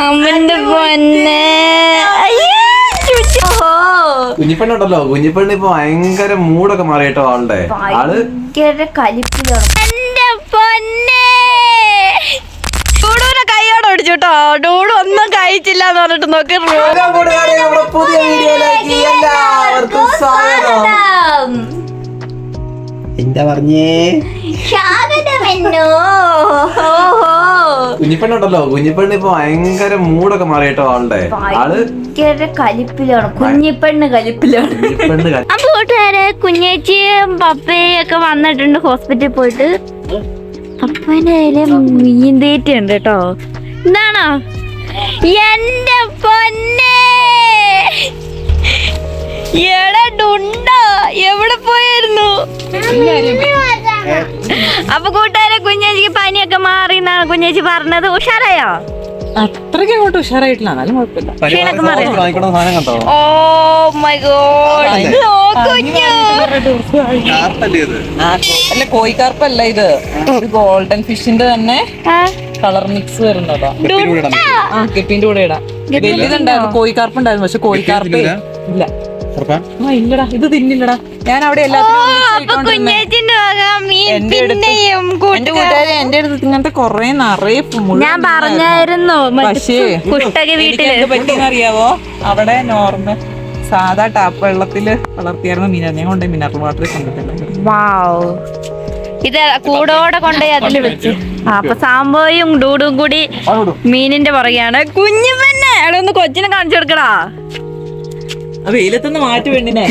അമ്മന്റെ പൊന്നെ. കുഞ്ഞിപ്പെണ്ണുണ്ടല്ലോ, കുഞ്ഞിപ്പെണ്ണ് ഇപ്പൊ ഭയങ്കര മൂടൊക്കെ മാറിയിട്ടോ ആളുടെ. ആള് ഭയങ്കര കലിപ്പിലാണ്. എന്റെ പൊന്നെ ഡൂഡൂനെ കൈയോടെ ഓടിച്ചുട്ടോ. ഡൂഡു ഒന്നും കഴിച്ചില്ല എന്ന് പറഞ്ഞിട്ട് നോക്കി. പുതിയ വീഡിയോയിലേക്ക് എല്ലാവർക്കും സ്വാഗതം. എന്താ പറഞ്ഞേ? കുഞ്ഞിപ്പെണ്ണുണ്ടല്ലോ, കുഞ്ഞിപ്പെണ്ണ് ഇപ്പൊ ഭയങ്കര മൂടൊക്കെ മാറിയിട്ടോ ആളുടെ. ആള് ഭയങ്കര കലിപ്പിലാണ്. കുഞ്ഞിപ്പെണ്ണ് കലിപ്പിലാണ്. അപ്പൊ കൂട്ടുകാരെ, കുഞ്ഞേച്ചിയും പപ്പയും ഒക്കെ വന്നിട്ടുണ്ട് ഹോസ്പിറ്റലിൽ പോയിട്ട്. പപ്പേന്റെ കയ്യില് മീൻ തീറ്റയുണ്ട് കേട്ടോ. എന്താണോ എന്റെ പൊന്നെ? എടാ എവിടെ പോയിരുന്നു? അപ്പൊ കൂട്ടുകാരെ, കുഞ്ഞേച്ചിക്ക് പനിയൊക്കെ മാറി എന്നാണ് കുഞ്ഞേച്ചി പറഞ്ഞത്. ഉഷാറായോ? അത്രയ്ക്ക് അങ്ങോട്ട് ഉഷാറായിട്ടില്ല, എന്നാലും കുഴപ്പമില്ല. ഓ മൈ ഗോഡ്, അല്ല കോഴിക്കാർപ്പല്ല ഇത്, ഗോൾഡൻ ഫിഷിന്റെ തന്നെ കളർ മിക്സ് വരുന്നതാ. കെപ്പിന്റെ കൂടെ ഇടാം. വലുതുണ്ടായിരുന്നു, കോഴിക്കാർപ്പ് ഉണ്ടായിരുന്നു, പക്ഷെ കോഴിക്കാർപ്പ് ഇല്ല. ഇല്ലടാ, ഇത് തിന്നില്ലടാ. ഞാൻ അവിടെ എല്ലാത്തിനും എന്റെ അടുത്ത് ഇങ്ങനത്തെ കൊറേ നിറയെ ഞാൻ പറഞ്ഞായിരുന്നു. പക്ഷേ എന്ത് പറ്റിയെന്ന് അറിയാവോ? അവിടെ നോർമൽ സാധാ ടാപ്പ് വെള്ളത്തില് വളർത്തിയായിരുന്നു മീനാ. ഞാൻ കൊണ്ടുപോയി മിനറൽ വാട്ടർ കൊണ്ടിട്ടില്ല. ഇത് കൂടോടെ കൊണ്ടുപോയി അതിൽ വെച്ച്. അപ്പൊ സാമ്പോയും ഡൂഡും കൂടി മീനിന്റെ പുറകെയാണ്. കുഞ്ഞു പെണ്ണെ, അവിടെ ഒന്ന് കൊച്ചിനെ കാണിച്ചു കൊടുക്കടാ. വെയിലത്തൊന്ന് മാറ്റി വേണ്ടിനെ.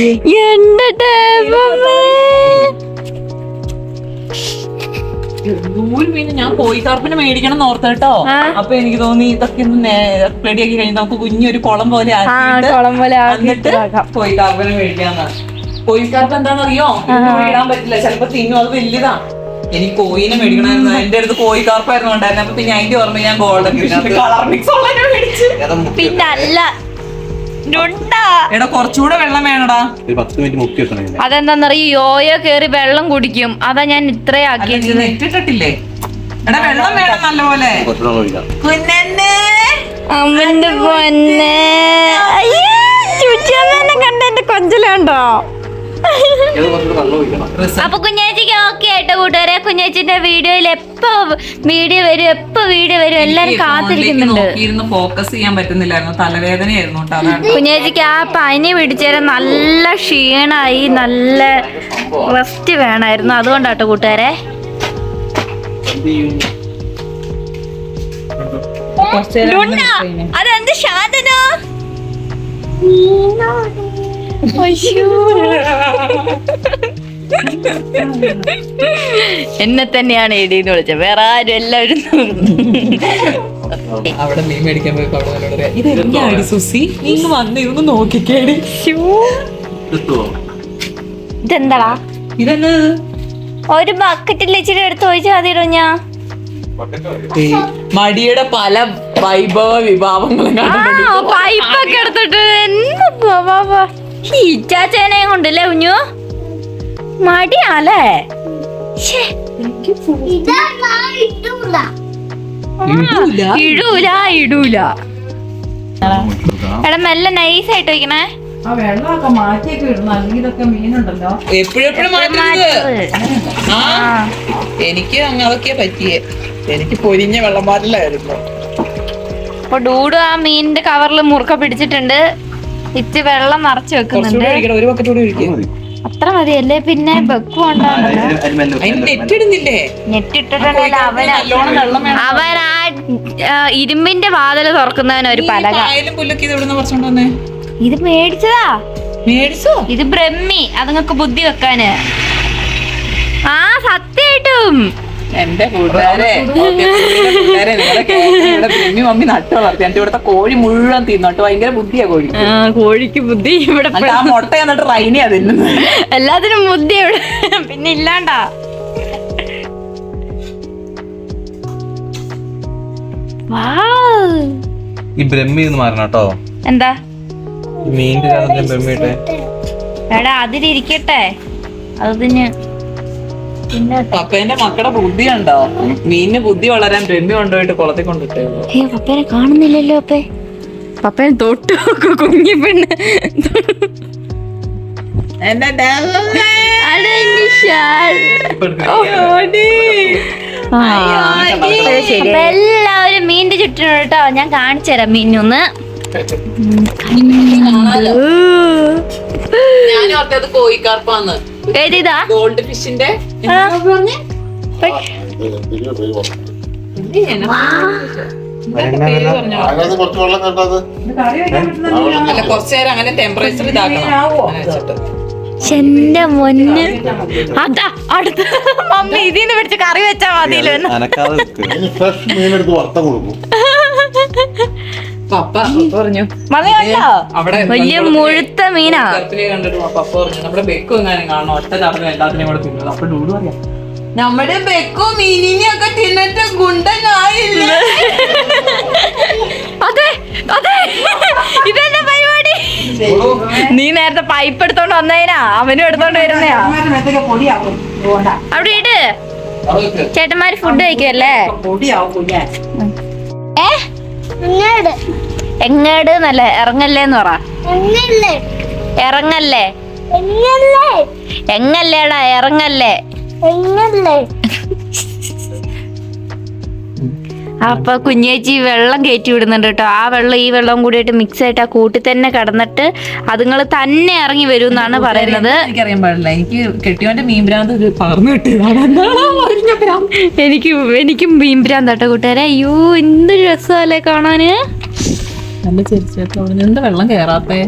ഞാൻ കോഴിക്കാർപ്പിനെ മേടിക്കണം എന്ന് ഓർത്ത കേട്ടോ. അപ്പൊ എനിക്ക് തോന്നി ഇതൊക്കെ ഒന്ന് റെഡിയാക്കി കഴിഞ്ഞാൽ നമുക്ക് കുഞ്ഞൊരു കുളം പോലെ ആക്കിയിട്ട് കോഴിക്കാർപ്പിനെ മേടിക്കാന്നാണ്. കോഴിക്കാർപ്പ് എന്താണെന്നറിയോ? ഇടാൻ പറ്റില്ല, ചിലപ്പോ തിന്നും, അത് വലുതാ. എനിക്ക് കോയിനെ മേടിക്കണമായിരുന്നു. എന്റെ അടുത്ത് കോഴിക്കാർപ്പായിരുന്നു ഉണ്ടായിരുന്നു. അപ്പൊ പിന്നെ അതിന്റെ ഓർമ്മ ഞാൻ ഗോൾഡൻ കളർ മിക്സ് ഉള്ള മേടിച്ചു. പിന്നെ അല്ല എടാ, കുറച്ചുകൂടെ വെള്ളം വേണടാ. 10 മിനിറ്റ് മുക്കി വെക്കണം. അതെന്താന്നറിയോ? യോയോ കേറി വെള്ളം കുടിക്കും. അതാ ഞാൻ ഇത്രയാക്കിയത്. നെറ്റിട്ടില്ലേ? എടാ, വെള്ളം വേണം നല്ലപോലെ. അമ്മന്റെ പൊന്നെ, ചുറ്റമ്മനെ കണ്ട എന്റെ കൊഞ്ചലുണ്ടോ? അപ്പൊ കുഞ്ഞേച്ചിക്ക് ഓക്കെ ആയിട്ട് കൂട്ടുകാരെ, കുഞ്ഞേച്ചിന്റെ വീഡിയോയിൽ എപ്പോ വീഡിയോ വരും എല്ലാരും കാത്തിരിക്കുന്നുണ്ട്. ഫോക്കസ് ചെയ്യാൻ പറ്റുന്നില്ലായിരുന്നു, തലവേദനയായിരുന്നു. കുഞ്ഞേച്ചിക്ക് ആ പനി പിടിച്ചേരം നല്ല ക്ഷീണായി, നല്ല റെസ്റ്റ് വേണമായിരുന്നു. അതുകൊണ്ടാട്ടോ കൂട്ടുകാരെ. അതെന്ത് ശാന്തനോ? എന്നെ തന്നെയാണ് എടീന്ന് വിളിച്ചത്, വേറെ ആരും എല്ലാവരും. അവിടെ മീൻ മേടിക്കാൻ പോയപ്പോ ഇതെന്താണ് സുസി, നീ വന്ന് ഇതൊന്ന് നോക്കിക്കേടി. ഇതെന്താടാ? ഇതെന്ന് ഒരു ബക്കറ്റിൽ ഇച്ചിരി എടുത്ത് ഒഴിച്ചാൽ മതിയോ? ഞാൻ മടിയുടെ പല വൈഭവ വിഭാവങ്ങളും പൈപ്പൊക്കെ എടുത്തിട്ട് ഇച്ചാച്ചേനയും കൊണ്ടല്ലേ കുഞ്ഞു? മടിയാലേ? ഇടൂല. എടാ, മെല്ലെ നൈസായിട്ട് വയ്ക്കണേ. വെള്ളമൊക്കെ മാറ്റിയൊക്കെ ഇടുന്നു, അല്ലെങ്കിൽ ഇതൊക്കെ മീനുണ്ടല്ലോ എപ്പോഴും മാറ്റുന്നത്. എനിക്ക് അങ്ങനെയൊക്കെ പറ്റിയേ. എനിക്ക് പൊരിഞ്ഞ വെള്ളം പാറ്റിലായിരുന്നു. അപ്പൊ ഡൂഡു ആ മീനിന്റെ കവറിൽ മുറുക്ക പിടിച്ചിട്ടുണ്ട്. ഇച്ച് വെള്ളം നിറച്ച് വെക്കുന്നുണ്ട്. ഒരു ബക്കറ്റ് കൂടി ഒഴിക്കും. അത്ര മതിയല്ലേ? പിന്നെ നെറ്റിട്ടിട്ടുണ്ടല്ലോ. അവൻ ആ ഇരുമ്പിന്റെ വാതില് തുറക്കുന്നവന് ഒരു പലക. ഇത് മേടിച്ചതാ. ഇത് ബ്രഹ്മി, അതുങ്ങൾക്ക് ബുദ്ധി വെക്കാന്. ആ സത്യായിട്ടും എന്റെ കൂട്ടുകാരെ ബ്രഹ്മി മമ്മി നട്ട് വളർത്തി. എന്റെ ഇവിടുത്തെ കോഴി മുഴുവൻ തിന്നോട്ട്. ഭയങ്കര ബുദ്ധിയാ കോഴിക്ക്. കോഴിക്ക് ബുദ്ധി. ഇവിടെ ആ മുട്ട എന്നിട്ട് റൈനിയാ തിന്നുന്നത്. എല്ലാത്തിനും ബുദ്ധി ഇവിടെ. പിന്നെ ഇല്ലാണ്ടാ. ഈ ബ്രഹ്മി ഒന്ന് മാറണം കേട്ടോ. എന്താ മീനിന്റെ ബ്രഹ്മിട്ടെ? എടാ, അതിലിരിക്കട്ടെ. അതിന് പപ്പേന്റെ മക്കളുടെ ബുദ്ധി ഉണ്ടോ? മീനിന് ബുദ്ധി വളരാൻ ബ്രഹ്മി കൊണ്ടുപോയിട്ട് കുളത്തിൽ കൊണ്ടിട്ടേ. പപ്പേനെ കാണുന്നില്ലല്ലോ. പപ്പേനെ തൊട്ട് നോക്കൂ കുഞ്ഞി പെണ്ണ്. എല്ലാവരും മീനിന്റെ ചുറ്റും കേട്ടോ. ഞാൻ കാണിച്ചു തരാം മീനൊന്ന്. ഞാൻ ഓർത്തത് കോഴിക്കാർപ്പാന്ന്. ഏതാ ഗോൾഡ് ഫിഷിന്റെ അല്ല, കുറച്ചേരം അങ്ങനെ ടെമ്പറേച്ചർ ഇതാക്കണം. എന്റെ മുന്ന് അതാ അടുത്ത മമ്മി ഇതിന്ന് പിടിച്ച് കറി വെച്ചാ മതിയല്ലോ. പപ്പ പറഞ്ഞു വലിയ മുഴുത്ത മീനാ. കണ്ടിട്ട് പപ്പ പറഞ്ഞു നമ്മുടെ ബെക്കും എങ്ങാനും കാണണം, ഒറ്റ ചടങ്ങ് എല്ലാത്തിനെയും കൂടെ തിന്നുന്നത്. അപ്പൊ ഡൂഡ് പറയാം, നമ്മുടെ ബെക്കും മീനിനെയൊക്കെ തിന്നിട്ട് ഗുണ്ടനായില്ല. അതെ അതെ, ഇതെന്താ പരിപാടി? നീ നേരത്തെ പൈപ്പ് എടുത്തോണ്ട് വന്നതിനാ അവനും എടുത്തോണ്ട് വരുന്നയാ. അവിടെ ഇട്. ചേട്ടന്മാര് ഫുഡ് കഴിക്കുമല്ലേ? എങ്ങാട് എന്നല്ല, ഇറങ്ങല്ലേന്ന് പറ. ഇറങ്ങല്ലേ എങ്ങല്ലേടാ, ഇറങ്ങല്ലേ. അപ്പൊ കുഞ്ഞേച്ചി വെള്ളം കയറ്റി വിടുന്നുണ്ട് കേട്ടോ. ആ വെള്ളം ഈ വെള്ളം കൂടിയിട്ട് മിക്സ് ആയിട്ട് ആ കൂട്ടി തന്നെ കിടന്നിട്ട് അതുങ്ങൾ തന്നെ ഇറങ്ങി വരും എന്നാണ് പറയുന്നത്. എനിക്കറിയാൻ പാടില്ല, എനിക്ക് കെട്ടിയോന്റെ മീൻഭ്രാന്ത് പകർന്നു കിട്ടിയതാണ്. എനിക്കും മീൻഭ്രാന്ത് കേട്ടോ കൂട്ടുകാരെ. അയ്യോ എന്തൊരു രസമല്ലേ കാണാന്. നല്ല ചെറിച്ചേട്ടോ, എന്താ വെള്ളം കേറാത്തേ?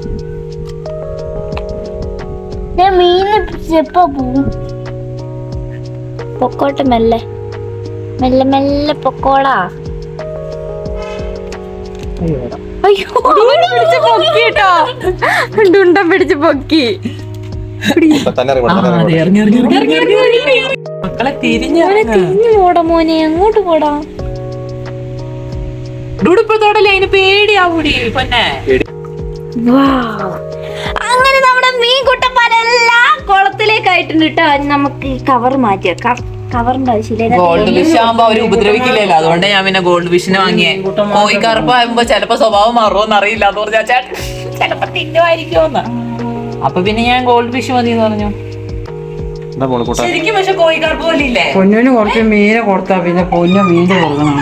പൊക്കോട്ടെ മെല്ലെ മെല്ലെ മെല്ലെ പൊക്കോളാ. അയ്യോ പിടിച്ച് പൊക്കി കേട്ടോ, ഡുണ്ടം പിടിച്ച് പൊക്കി. മക്കളെ തിരിഞ്ഞു പോടാ മോനെ, അങ്ങോട്ട് പോടാ. ഡൂഡിപ്പോഴത്തോടല്ലേ അതിന് പേടിയാവൂടി പൊന്നെ. അങ്ങനെ നമ്മുടെ മീൻ കുട്ടന്മാരെല്ലാം കുളത്തിലേക്ക് ആയിട്ടുണ്ട് കേട്ടോ. നമുക്ക് കവർ മാറ്റിയ കവറിന്റെ ആവശ്യമില്ല. ഗോൾഡ് ഫിഷ് ആകുമ്പോ അവര് ഉപദ്രവിക്കില്ലല്ലോ, അതുകൊണ്ട് ഞാൻ പിന്നെ ഗോൾഡ് ഫിഷിനെ വാങ്ങിയേ. കോഴിക്കറുപ്പാകുമ്പോ ചിലപ്പോ സ്വഭാവം മാറുമോന്ന് അറിയില്ല, എന്ന് പറഞ്ഞാ ചേട്ടൻ ചിലപ്പോ തിന്നുമായിരിക്കുമെന്ന്. അപ്പൊ പിന്നെ ഞാൻ ഗോൾഡ് ഫിഷ് മതി എന്ന് പറഞ്ഞു. ശരിക്കും പക്ഷെ കോഴിക്കറുപ്പ് പോലെ ഇല്ലേ? പൊന്നിന് കുറച്ച് മീനെ കൊടുത്താ പിന്നെ പൊന്നു മീൻ കൊടുക്കണം.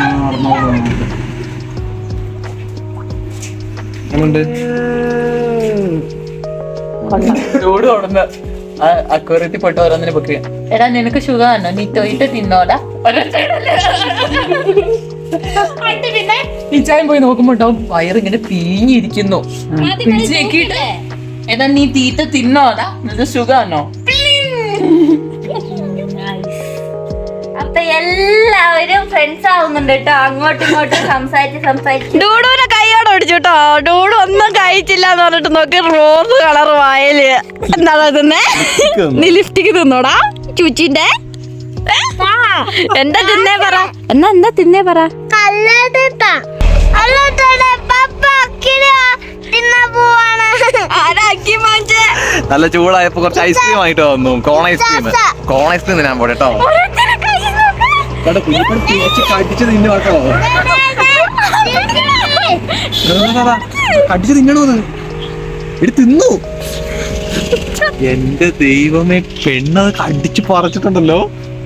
അക്വറിയത്തിൽ പോയിട്ട് ഓരോന്നിനെ പൊക്കിയ. എടാ നിനക്ക് ഷുഗർ ആണോ? നീ തൊയിട്ട് തിന്നോടാ. പിന്നെ നിച്ചായം പോയി നോക്കുമ്പോട്ടോ വയറിങ്ങനെ പിഴിഞ്ഞിരിക്കുന്നു. പിടിച്ച് നോക്കിയിട്ട് എടാ നീ തീറ്റ തിന്നോടാ, നിനക്ക് ഷുഗർ ആണോ? അപ്പൊ എല്ലാവരും ഫ്രണ്ട്സ് ആവുന്നുണ്ട് കേട്ടോ. അങ്ങോട്ടും ഇങ്ങോട്ടും സംസാരിച്ച് ഡൂഡുവിനെ കൈയോടെ പിടിച്ചു കേട്ടോ. ഡൂഡു ഒന്നും കഴിച്ചില്ല എന്ന് പറഞ്ഞിട്ട് നോക്കി റോസ് കളർ വായല്. എന്താ തിന്നേ? നീ ലിഫ്റ്റിക്ക് തിന്നോടാ ചൂച്ചിന്റെ. എന്താ തിന്നേ പറ, എന്താ തിന്നേ പറ. നല്ല ചൂടായപ്പോ കുറച്ച് ഐസ്ക്രീം ആയിട്ട് വന്നു. കോൺ ഐസ്ക്രീം തിന്നാൻ പോട്ടെ കേട്ടോ. കടിച്ച് തിന്നു കേട്ടോ. കടിച്ച് തിന്നണോന്ന് തിന്നു. എന്റെ ദൈവമേ, പെണ്ണത് കടിച്ച് പറിച്ചിട്ടുണ്ടല്ലോ.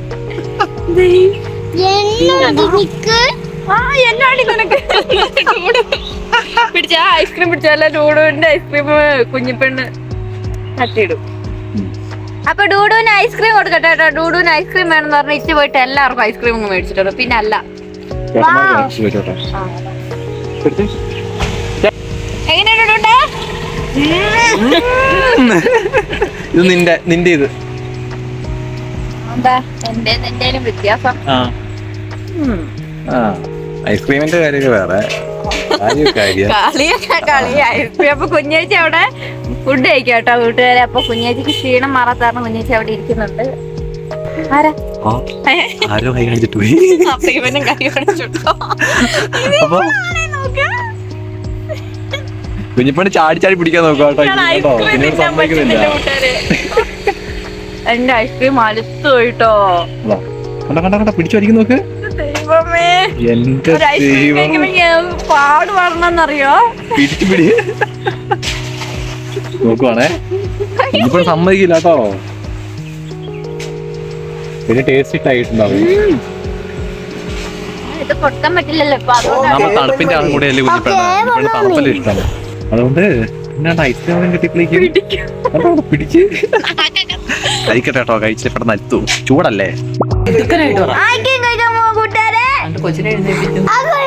പിടിച്ച ഐസ്ക്രീം പിടിച്ചല്ല, ഡൂഡുവിന്റെ ഐസ്ക്രീം കുഞ്ഞിപ്പെണ്ണ് തട്ടിയിടും. അപ്പൊ ഡൂഡുവിന് ഐസ്ക്രീം കൊടുക്കട്ടെ കേട്ടോ. ഡൂഡുവിന് ഐസ്ക്രീം വേണമെന്ന് പറഞ്ഞ ഇച്ച് പോയിട്ട് എല്ലാവർക്കും ഐസ്ക്രീം ഒന്നും മേടിച്ചിട്ടുണ്ട്. പിന്നെ അല്ല എങ്ങനെയുണ്ട് ഇത് നിന്റെ ഇത് എന്താ എന്റെ വ്യത്യാസം? ഐസ്ക്രീമിന്റെ കാര്യം വേറെ കളി ഐസ്ക്രീം. അപ്പൊ കുഞ്ഞേച്ചി അവിടെ ഫുഡ് കഴിക്കാം കേട്ടോ കൂട്ടുകാരെ. അപ്പൊ കുഞ്ഞേച്ചിക്ക് ക്ഷീണം മാറാത്താരണം കുഞ്ഞേച്ചി അവിടെ ഇരിക്കുന്നുണ്ട്. ആരോ കൈ കാണിച്ചിട്ട് പോയി. അപ്പൊ ഇവനും കൈ കാണിച്ചിട്ടോ. കുഞ്ഞിപ്പണി ചാടി ചാടി പിടിക്കാൻ നോക്കാം കേട്ടോ. എന്റെ ഐസ്ക്രീം അലുത്തു പോയിട്ടോ. കണ്ട പിടിച്ചു വലിക്കും നോക്ക്. ദൈവമേ, എന്റെ ഒരു ഐസ്ക്രീം കഴിക്കുമ്പോ പാട് പറഞ്ഞറിയോ? പിടി നോക്കുവാണേ. ഇപ്പോഴും സമ്മതിക്കില്ല കേട്ടോ. പിന്നെ ടേസ്റ്റ് ഇട്ടായിട്ടുണ്ടാവും. ഇത് കൊടുക്കാൻ പറ്റില്ലല്ലോ ഇപ്പൊ, അതുകൊണ്ടാണ്. നമ്മൾ തണുപ്പിന്റെ ആളും കൂടെ അല്ലേ കുഞ്ഞിപ്പെടാൻ, തണുപ്പല്ലേ ഇഷ്ടം. അതുകൊണ്ട് എന്നാണ്ട് ഐസ്ക്രീം കിട്ടിയപ്പോഴേക്കും പിടിച്ച് കഴിക്കട്ടെ കേട്ടോ. കഴിച്ചിട്ട് പെട്ടെന്ന് അറ്റും. ചൂടല്ലേ? ഇതൊക്കെ ആയിക്കും കഴിക്കാൻ പോവാ കൂട്ടുകാരെ. കൊച്ചിനെ എഴുന്നേൽപ്പിക്കുന്നു.